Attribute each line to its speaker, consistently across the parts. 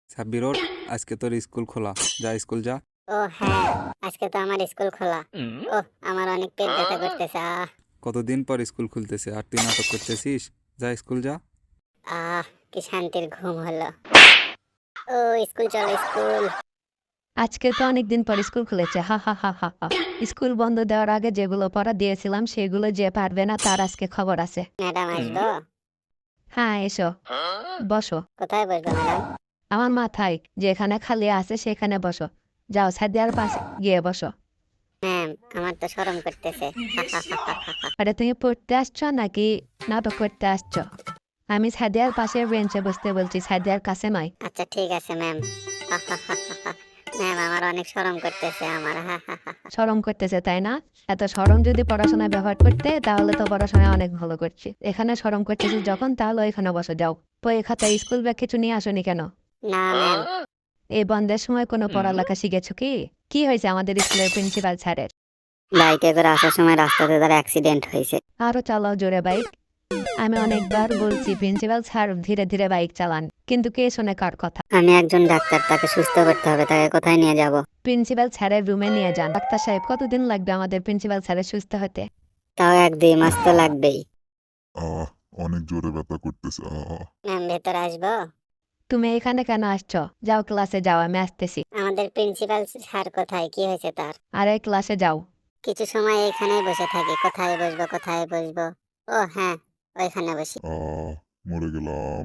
Speaker 1: সাব্বির ওঠ, আজকে তোর স্কুল খোলা। যা স্কুল যা।
Speaker 2: ও হ্যাঁ, আজকে তো আমার স্কুল খোলা। ওহ, আমার অনেক পেট ব্যথা করতেছে।
Speaker 1: কতদিন পর স্কুল খুলতেছে আর তুই নাটক করতেছিস? যা স্কুল যা।
Speaker 2: আহ কি শান্তির ঘুম হলো। ও স্কুল চলো স্কুল।
Speaker 3: আজকে তো অনেকদিন পর স্কুল খুলেছে, হা হা হা হা হা। স্কুল বন্ধ দেওয়ার আগে যেগুলো পড়া দিয়েছিলাম সেগুলো যে পারবে না তার আজকে খবর আছে।
Speaker 2: ম্যাডাম আসবো?
Speaker 3: হ্যাঁ এসো, বসো।
Speaker 2: কোথায় বসবো ম্যাডাম?
Speaker 3: আমার মাথায় যেখানে খালি আছে সেখানে বসো। যাও সাদিয়ার পাশে গিয়ে বসো।
Speaker 2: ম্যাম, আমার তো শরম করতেছে।
Speaker 3: আরে তুমি পড়তে আসছো নাকি নাটক করতে আসছো? আমি সাদিয়ার পাশের বেঞ্চে বসতে বলছি, সাদিয়ার কাছে নয়।
Speaker 2: আচ্ছা ঠিক আছে ম্যাম। ম্যাম, আমার অনেক শরম করতেছে আমার।
Speaker 3: শরম করতেছে তাই না? এত শরম যদি পড়াশোনায় ব্যবহার করতে তাহলে তো পড়াশোনায় অনেক ভালো করছি। এখানে শরম করতেছি যখন, তাহলে এখানে বসো। যাও বই খাতা স্কুল ব্যাগ কিছু নিয়ে আসোনি কেন?
Speaker 2: না ম্যাম।
Speaker 3: এই বন্ধের সময় কোনো পড়ালেখা শিখেছো কি? কি হয়েছে আমাদের স্কুলের প্রিন্সিপাল স্যারের?
Speaker 2: বাইকে করে আসার সময় রাস্তাতে তার অ্যাক্সিডেন্ট হয়েছে।
Speaker 3: আরো চালাও জোরে বাইক। আমি অনেকবার বলছি প্রিন্সিপাল স্যার ধীরে ধীরে বাইক চালান, কিন্তু কে শোনে কার কথা?
Speaker 2: আমি একজন ডাক্তার, তাকে সুস্থ করতে হবে। তাকে কোথায় নিয়ে যাব?
Speaker 3: প্রিন্সিপাল স্যারের রুমে নিয়ে যান। ডাক্তার সাহেব, কতদিন লাগবে আমাদের প্রিন্সিপাল স্যারের সুস্থ হতে?
Speaker 2: তাও 1-2 মাস তো লাগবেই।
Speaker 4: আহ অনেক জোরে ব্যথা করতেছে।
Speaker 2: ম্যাম, ভেতরে আসবো?
Speaker 3: তুমি এখানে কেন আসছো? যাও ক্লাসে যাও, আমি আসতেছি।
Speaker 2: আমাদের প্রিন্সিপাল স্যার কোথায়? কি হয়েছে তার?
Speaker 3: আরে ক্লাসে যাও।
Speaker 2: কিছু সময় এখানেই বসে থাকি। কোথায় বসবো কোথায় বসবো? ও হ্যাঁ, ওইখানে বসি।
Speaker 4: মরে গেলাম।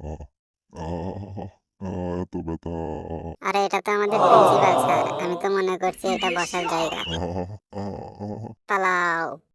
Speaker 4: এত ব্যথা।
Speaker 2: আরে এটা তো আমাদের প্রিন্সিপাল স্যার, আমি তো মনে করছি এটা বসার জায়গা।
Speaker 4: আহ, আহ,
Speaker 2: পালাও।